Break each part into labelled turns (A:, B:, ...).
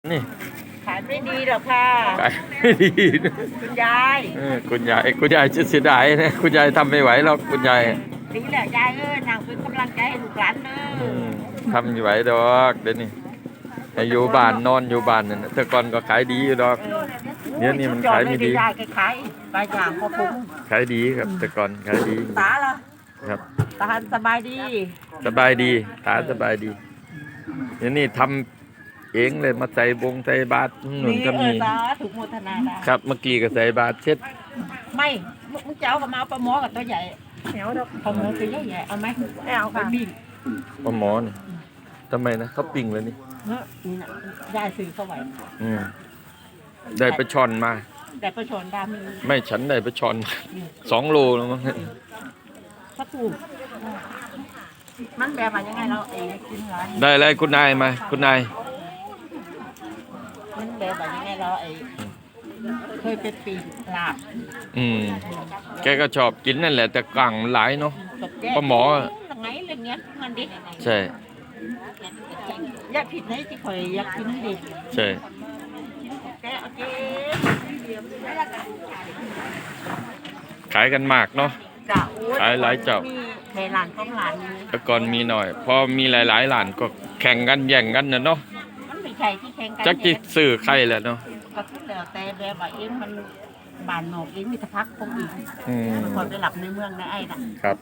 A: นี่
B: ขายไม่ดีหรอกค่ะ
A: ขายไม่ดี
B: คุณยาย
A: คุณยายจะเสียดายนะคุณยายทำไม่ไหวหรอกคุณยาย
B: ดีแหละยายนางเป็นกำลังใจให้ลูกหลาน
A: ทำไม่ไหวดอกเดี๋ยวนี้อยู่บ้านนอนอยู่บ้านนั่นแต่ก่อนก็ขายดีอยู่ดอกเนี่ยนี่มันขายไม่ดี
B: ยายขายปลายอย่างพอคุ้ม
A: ขายดีครับแต่ก่อนขายดี
B: ตาล่ะ
A: ครับ
B: ตาสบายดี
A: สบายดีตาสบายดีเนี่ยนี่ทำเองเลยมาใส่บงใส่บาตรหนุนก็มี
B: ถูกโมทนา
A: ครับเมื่อกี้ก็ใส่บาตรเช็ด
B: ไม่มึงเจ้ากับมาปลาหมอกับตัวใหญ่เหนียวปลาหมอตัวใหญ่เอาไหมไม่เอาค่ะบิ้ง
A: ปลาหมอนี่ทำไมนะเขาปิ้งเลยนี่
B: นี่นะยายซื้อเข้าไว้
A: ได้ปลาช่อนมา
B: ได้ปลาช่อนดามี
A: ไม่ฉันได้ปลาช่อน2 โลแล้วมั้ง
B: พระปู่มันแบบว่ายังไงเรากินร้าน
A: ได้เลยคุณนายมาคุณนาย
B: มันแบบว่ายังไงเราเคยเป็นปีลาบ
A: แกก็ชอบกินนั่นแหละแต่กลางหลายเนาะปลาหมอ
B: ไงเรื่องเงี้ยมันดิ
A: ใช่
B: อยากผิดไหนที่คอยอยากกินดิ
A: ใช่ขายกันมากเนาะขายหลายเจ้า
B: ในร้านต้องร้าน
A: แต่ก่อนมีหน่อยพอมีหลายๆร้านก็แข่งกันแย่งกันเนาะ
B: มันไม่ใช่ที่แข่งกัน
A: จักจิสื่อใครแหละเนาะ
B: ก็แล้วแต่แบบว่ามันบานนอกเองมีทพักคงอีกคนไปหลับในเมืองในไอ้น่ะ
A: ครับ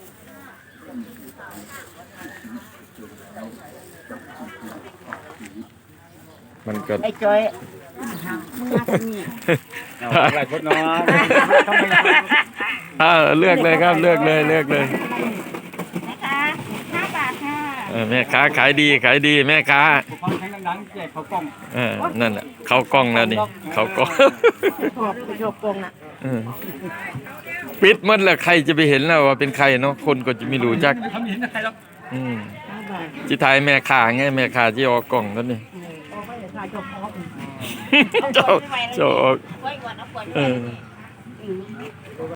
A: มันก็
B: ไอ้จอยมึงมาที่นี่
C: หลายคนเนาะ
A: เลือกเลยครับเลือกเลย
B: นะคะ5 บาทค่ะ
A: แม่ค้าขายดีแม่ค้า
C: ฟังเพลงดังๆแจกเขากล้อง
A: นั่นแหละเขากล้องแล้วนี่เขากล้อง
B: ชอบกงน่ะ
A: ปิดหมดแล้วใครจะไปเห็นแล้วว่าเป็นใครเนาะคนก็จะไม่รู้จัก
C: ทำเห็นใครหรอก
A: จิตายแม่ค้าไงแม่ค้าที่ออกกล้องนั่นนี่เจ้า